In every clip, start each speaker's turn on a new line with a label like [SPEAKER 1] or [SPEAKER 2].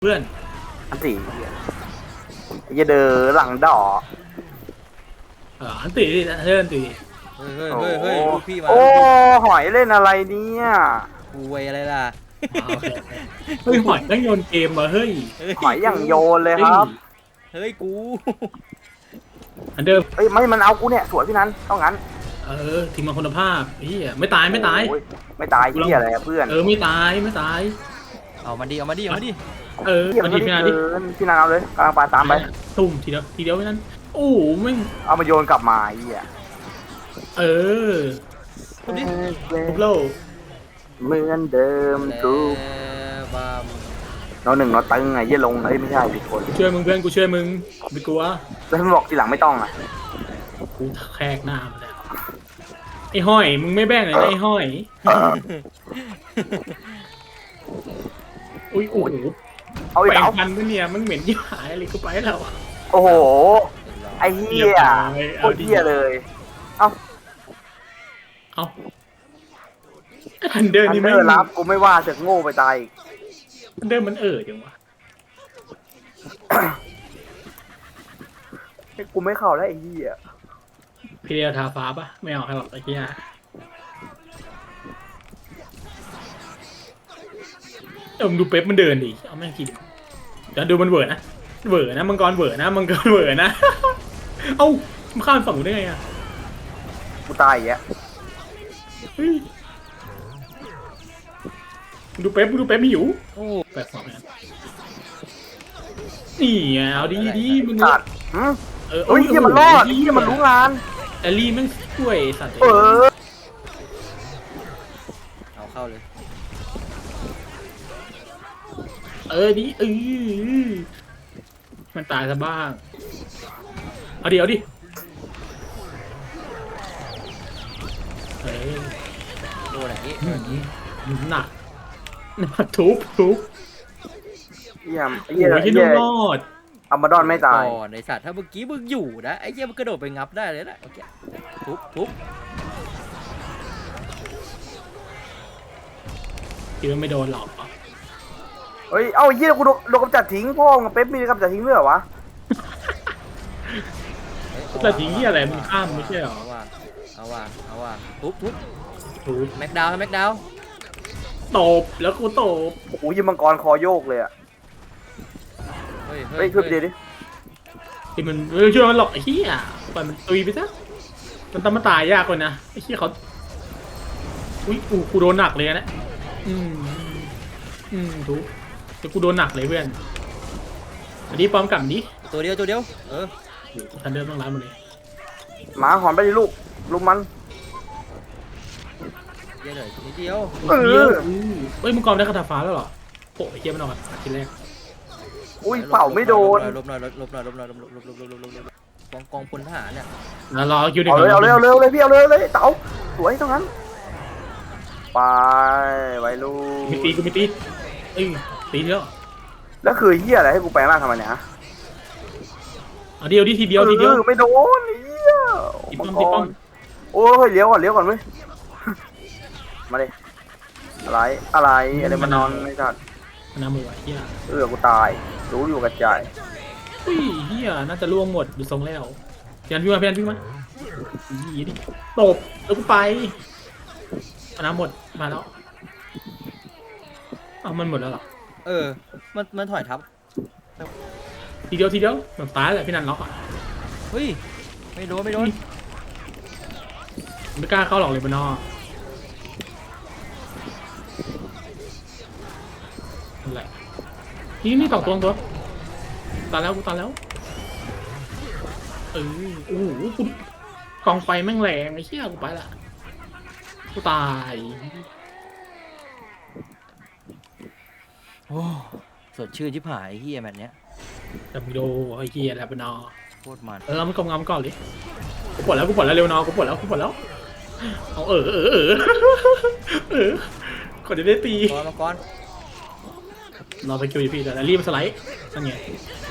[SPEAKER 1] เพื่อน
[SPEAKER 2] อันสี่จะเดินหลังดอก
[SPEAKER 1] อันตีดิเพื่อนตี
[SPEAKER 3] เฮ้ยลูกพี่มา
[SPEAKER 2] โอ้หอยเล่นอะไรเนี่ย
[SPEAKER 3] กูไวอะไรล่ะ
[SPEAKER 1] เฮ้ยหอยต้องโยนเกมมาเฮ้ย
[SPEAKER 2] หอยอย่างโยนเลยครับ
[SPEAKER 3] เฮ้ยกู
[SPEAKER 1] อันเดิม
[SPEAKER 2] เฮ้ยไม่มันเอากูเนี่ยสวยพี่นั้นต้องงั้น
[SPEAKER 1] ทีมมาคุณภาพพี่ไม่ตายไม่ตาย
[SPEAKER 2] ไม่ตายที่อะไรเพื่อน
[SPEAKER 1] ไม่ตายไม่ตาย
[SPEAKER 3] เอามาดิ
[SPEAKER 1] มา
[SPEAKER 2] ดิ
[SPEAKER 1] มาดิพี่นันดิ
[SPEAKER 2] พี่นันเอาเลยกำลังปาตามไป
[SPEAKER 1] ตุ่มทีเดียวพี่นันโอ้ไม่
[SPEAKER 2] เอามาโยนกลับมาไอ้เหี้ย
[SPEAKER 1] ทุบดิทุบโล
[SPEAKER 2] เหมือนเดิมทุกเราหนึ่งเราตึงไงยี่ลงเอ้ยไม่ใช่ผิดคน
[SPEAKER 1] ช่วยมึงเพื่อนกูช่วยมึงไม่กลัว
[SPEAKER 2] แล้วมึงบอกทีหลังไม่ต้องอ่ะ
[SPEAKER 1] กูแขกหน้ามาแล้วไอ้ห้อยมึงไม่แบ่งเลยไอ้ห้อยอุ้ยโอ้โห
[SPEAKER 2] เอาอีกแล้ว
[SPEAKER 1] มันเนี่ยมันเหม็นยิ่งหายอะไรกูไปแล้ว
[SPEAKER 2] โอ้โหไอ้เหี้ยโคตรเหี้ยเลยเอา
[SPEAKER 1] อันเดิมนี่ไม่
[SPEAKER 2] รับกูไม่ว่าจะโง่ไปตาย
[SPEAKER 1] อันเดิมมันจังวะ
[SPEAKER 2] กูไม่เข้าแล้วไอ้เหี้ย
[SPEAKER 1] พี่เดียวทาฟ้าปะไม่เอาใครหรอกไอ้เหี้ยมึงดูเป๊ปมันเดินดิเอาแม่งกินเดี๋ยวดูมันเวอร์นะมังกรเวอร์นะเอ้ามันข้ามฝั่งได้ไงอ่ะ
[SPEAKER 2] กูตายอ่ะ
[SPEAKER 1] ดูเป๊ปไม่อยู่แปลกสองนะนี่เอาดีมึง
[SPEAKER 2] สัตว์เฮ้ยที่มันรอดที่มันรู้งาน
[SPEAKER 1] แอลลี่แม่งช่วยสัตว์
[SPEAKER 3] เอาเข้าเลย
[SPEAKER 1] ดิมันตายซะบ้างเอาดิ
[SPEAKER 3] โดนอะไรนี่
[SPEAKER 1] หนักทุบ
[SPEAKER 2] เยี่ยม
[SPEAKER 1] โอ้ยที่รอด
[SPEAKER 2] อัมบาดอนไม่ตาย
[SPEAKER 3] ในสัตว์ถ้าเมื่อกี้มึงอยู่นะไอ้เหี้ยมันกระโดดไปงับได้เลยนะโอเคทุบ
[SPEAKER 1] คิดว่าไม่โดนหรอก
[SPEAKER 2] เฮ้ยเอาไอ้เหี้ยกูโดนกำจัดทิ้งพ่อมึงเป๊ปมีกำจัดทิ้งด้วยเหรอวะ
[SPEAKER 1] กำจัดทิ้งที่อะไรมึงข้ามไม่ใช่หรอ
[SPEAKER 3] เอาว่ะทุบแม็กดาว
[SPEAKER 1] ตบแล้วกูตบ
[SPEAKER 2] โอ้โหยิงมังกรคอโยกเลยอ่ะเฮ้ยช่วยไปดิ
[SPEAKER 1] ที่มันช่วยมันหลอกไอ้เหี้ยปล่อยมันตุยไปซะมันต้องมาตายยากกว่านะไอ้เหี้ยเขาอุ้ยกูโดนหนักเลยนะทุกแต่กูโดนหนักเลยเพื่อนอันนี้ป้อมกลับนี้
[SPEAKER 3] ตัวเดียว
[SPEAKER 1] ทันเดิมต้องร้านหมดเลย
[SPEAKER 2] หมาหอนไปดิลูกมัน
[SPEAKER 3] เดี๋ยวนิดเดียว
[SPEAKER 1] เฮ้ยมึงกอมได้คาถาฟ้าแล้วเหรอโอ้ยเยี่ยมนอนทีแรก
[SPEAKER 2] อุ้ยเป่าไม่โดน
[SPEAKER 3] ลบหน่อยกองพลทหารเนี่ย
[SPEAKER 1] รอคิวดิ
[SPEAKER 2] เอาเลยพี่เอาเลยเต๋าสวยตรงนั้นไปไว้ลูก
[SPEAKER 1] มีตีตีเยอะ
[SPEAKER 2] แล้วคือเหี้ยอะไรให้กูแปลงร่างทำไมเนี่ยฮะ
[SPEAKER 1] เดียวทีเดียว
[SPEAKER 2] ไม่โดนเหี้ย
[SPEAKER 1] ตีป้อม
[SPEAKER 2] โอ้ยเลี้ยวก่อนเว้ยมาเลยอะไรมานอนไม่ทัน
[SPEAKER 1] น้ำมือไหวเหี้ย
[SPEAKER 2] กูตายรู้อยู่กระจาย
[SPEAKER 1] เหี้ยน่าจะล่วงหมดดูทรงแล้วเพียนพี่มายี่ดิตบแล้วกูไปน้ำหมดมาแล้วเอามันหมดแล้วหรอ
[SPEAKER 3] มันถอยทับ
[SPEAKER 1] ทีเดียวแบบตายแหละพี่นันล็อกอ่ะ
[SPEAKER 3] เฮ้ยไม่โดนไม่
[SPEAKER 1] กล้าเข้าหรอกเลยบนนอนั่นแหละนี่ต่อตัวตายแล้วกูตายแล้วโอ้โหกูกองไฟแม่งแรงไอ้เชี่ยกูไปละกูตาย
[SPEAKER 3] โอ้สดชื่นชิบหายเฮียแบบเนี้ย
[SPEAKER 1] จำโดไอ้เฮียแล้วบนนอ
[SPEAKER 3] โคตรมัน
[SPEAKER 1] เราไม่กำงำก่อนเลยกูปวดแล้วเร็วนอกูปวดแล้วเอาก่อนจะได้ตี
[SPEAKER 3] มาก่อน
[SPEAKER 1] รอไปคิวอยู่พี่แต่รีบสไลด์นั่นไง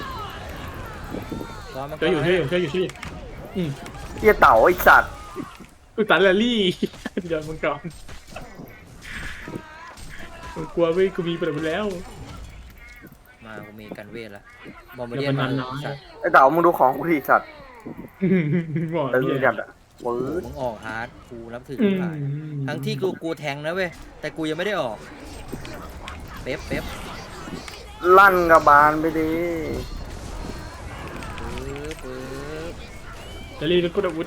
[SPEAKER 1] ช่วยอยู่
[SPEAKER 2] เหี้ยเต่าไอ้สัตว์
[SPEAKER 1] กูตัดแรลลี่เดี๋ยวมึงก่อนกูกลัวเว้ยกูมีไปแล้ว
[SPEAKER 3] มมากูมีกันเวทละบอมบ์เดียนมาสัตว์
[SPEAKER 2] ไอ้เต๋ามึงดูของกูดิสัตว์
[SPEAKER 1] บอก
[SPEAKER 2] ตึง
[SPEAKER 1] เหี้ย
[SPEAKER 2] จัดอะปื๊ด
[SPEAKER 3] มึงออกฮาร์ดกูรับถือ
[SPEAKER 1] อืม
[SPEAKER 3] ผ่านทั้งที่กูแทงนะเว้ยแต่กูยังไม่ได้ออกเป๊ป
[SPEAKER 2] ลั่นกระบาลไปดิ
[SPEAKER 3] ปึ๊บ
[SPEAKER 1] จะรีบกูอาวุธ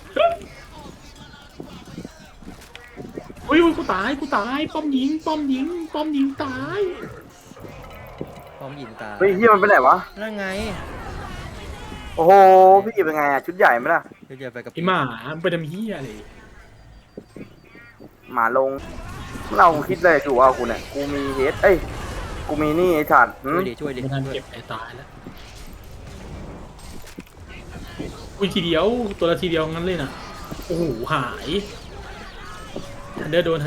[SPEAKER 1] อุ้ยกูตายป้อมยิงตาย
[SPEAKER 3] พร้อมยิงตา
[SPEAKER 2] เฮ้ยเฮียมันไปไหนวะ
[SPEAKER 3] นั่นไง
[SPEAKER 2] โอ้โหพี่เป็นไงอะชุดใหญ่ไหมล่ะ
[SPEAKER 3] เดี๋ยวไปกับ
[SPEAKER 1] ไอหมาไปทำเหี้ยอะไร
[SPEAKER 2] หมาลงเราคิดเลยถูกว่ากูเนี่ยกูมีเฮดเอ้ยกูมีนี่ไอ้สัตว์หื
[SPEAKER 3] ช่วย
[SPEAKER 2] ม
[SPEAKER 3] ดิ
[SPEAKER 1] ไม่ทันเก็บไอ้ตายแล้วอุ้ยทีเดียวตัวละทีเดียวงั้นเลยนะโอ้โหหายทันเดอร์โดน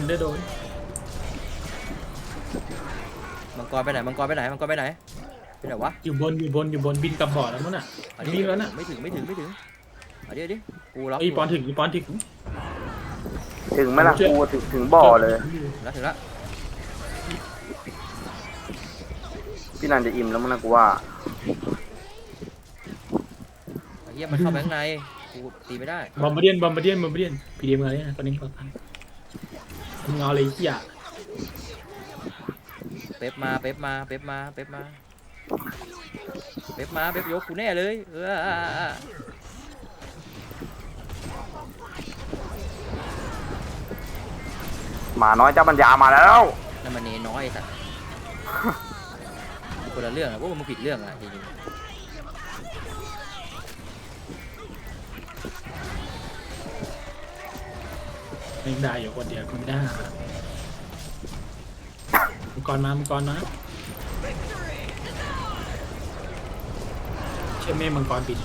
[SPEAKER 3] มังกรไปไหนไปไหนวะ
[SPEAKER 1] อยู่บนบินกลับบ่อแล้วมั้งน่ะบินแล้วน่ะ
[SPEAKER 3] ไม่ถึงเอาดิกูล็อก
[SPEAKER 1] ไอ้ปอนถึง
[SPEAKER 2] ถึงไหมล่ะกูถึงบ่อเลย
[SPEAKER 3] ถึงแล้ว
[SPEAKER 2] พี่นันจะอิ่มแล้วมั้งนะกูว่า
[SPEAKER 3] เฮียมันเข้าไปข้างในกูตีไม่ได้
[SPEAKER 1] บอมบ์เดียนพีดีเอ็มอะไรนะตอนนี้ก่อนมึงเอาอะไรเหี้ย
[SPEAKER 3] เป๊ปยกกูแน่เลย
[SPEAKER 2] หมาน้อยเจ้าปัญญามาแล้ว
[SPEAKER 3] นั่นมันเนน้อยสัตว์คนละเรื่องอะพวกมึงผิดเรื่องอะจริง
[SPEAKER 1] ไม่ได้อยู่คนเดียวกูไม่ได้มังกรมาเชื่อแม่มังกรบิน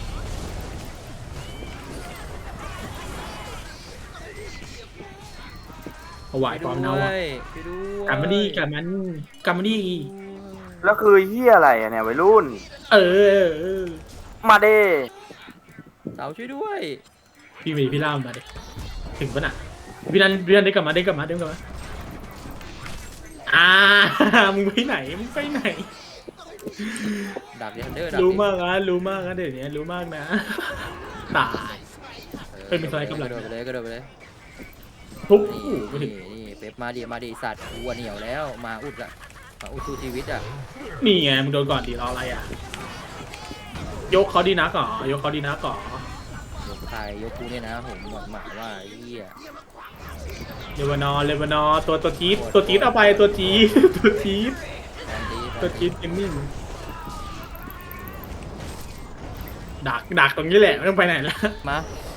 [SPEAKER 1] เอาไหว
[SPEAKER 3] ๆ
[SPEAKER 1] ปอมเนาอ่ะ
[SPEAKER 3] ไปด้วย
[SPEAKER 1] กลับมาดี
[SPEAKER 2] แล้วคือเฮียอะไรอะเนี่ยวัยรุ่น
[SPEAKER 1] เออ
[SPEAKER 2] มาเด้
[SPEAKER 3] เต๋าช่วยด้วย
[SPEAKER 1] พี่ล่ามมาดิถึงปะน่ะพี่นันได้กลับมามึงไปไหน
[SPEAKER 3] ดักดิทันเดอร์
[SPEAKER 1] รู้มากนะเดี๋ยวนี้รู้มากนะตาย เฮ้ยมีอะไรกำลัง
[SPEAKER 3] กระโดดไปเลย
[SPEAKER 1] ทุบ
[SPEAKER 3] นี่
[SPEAKER 1] ไปถึง
[SPEAKER 3] เป๊ปมาดิสัตว์วัวเหนียวแล้วมาอุดสู้ชีวิตอ่ะ
[SPEAKER 1] นี่ไงมึงโดนก่อนดิรออะไรอ่ะยกเขาดีนักเหรอย
[SPEAKER 3] กใครยกกูเนี่ยนะผมหมาว่าไอ้เหี้ย
[SPEAKER 1] เลวานอร์ตัวจี๊ดเอาไปตัวจี๊ดเกมมิ่งดักตรงนี้แหละไม่ต้องไปไหนละ
[SPEAKER 3] มา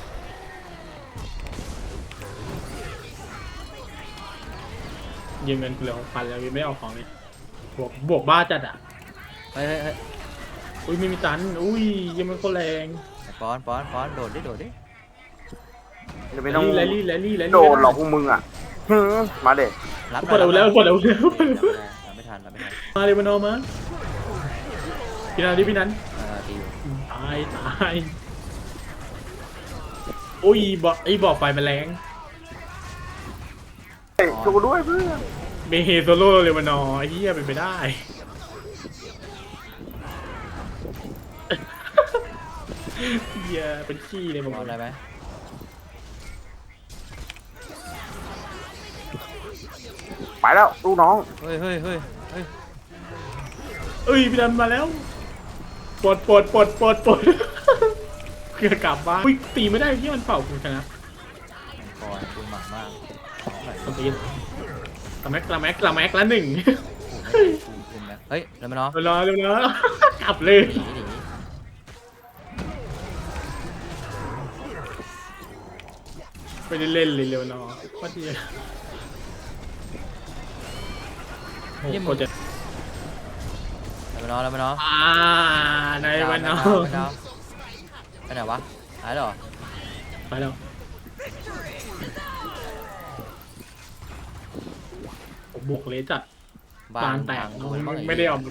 [SPEAKER 1] ยืมเงินกูเหลือ6,000แล้วยังไม่เอาของเลยบวกบ้าจัดอ่ะ
[SPEAKER 3] เฮ้ย
[SPEAKER 1] อุ้ยไม่มีตันอุ้ยยังมันก็แรง
[SPEAKER 3] ปอนโดดดิ
[SPEAKER 2] จะไม่ต้อง
[SPEAKER 1] แรลลี่
[SPEAKER 2] โดนหลอกพวกมึงอ่ะมาเด้
[SPEAKER 3] รับ
[SPEAKER 1] ปวดเอาแล้ว
[SPEAKER 3] ไม่ทัน
[SPEAKER 1] มาเลวานอร์มาพี่นัน
[SPEAKER 3] ตีอยู่
[SPEAKER 1] ตายอุ้ยบอกไฟมันแรง
[SPEAKER 2] เฮ้ยช่วยกูด้วยเพื่อน
[SPEAKER 1] เมเฮโซโล่เลวานอร์ไอ้เหี้ยเป็นไปได้เหี้ยเป็นขี้เลยผม
[SPEAKER 3] เอาอะไรไหม
[SPEAKER 2] ไปแล้วลูกน้อง
[SPEAKER 3] เฮ้ย
[SPEAKER 1] เอ้ยพี่นันมาแล้วปลดเกือบกลับบ้านอุ้ยตีไม่ได้ที่มันเป่าคุณชนะ
[SPEAKER 3] ปอนคุณหมามาก
[SPEAKER 1] คนตีละแม็กละหนึ่ง
[SPEAKER 3] คุณแม็กเฮ้ยแล้วมันเนาะ
[SPEAKER 1] รอกลับเลย
[SPEAKER 3] หนี
[SPEAKER 1] ไม่ได้เล่นเลยเร็วนอว่าดีโอ้โหจะ
[SPEAKER 3] แล้วมันเนาะ
[SPEAKER 1] ในวันนอ
[SPEAKER 3] ไปไหนวะหายหรอ
[SPEAKER 1] ไปแล้วผมบวกเลยจัดบานแตกไม่ได้ออก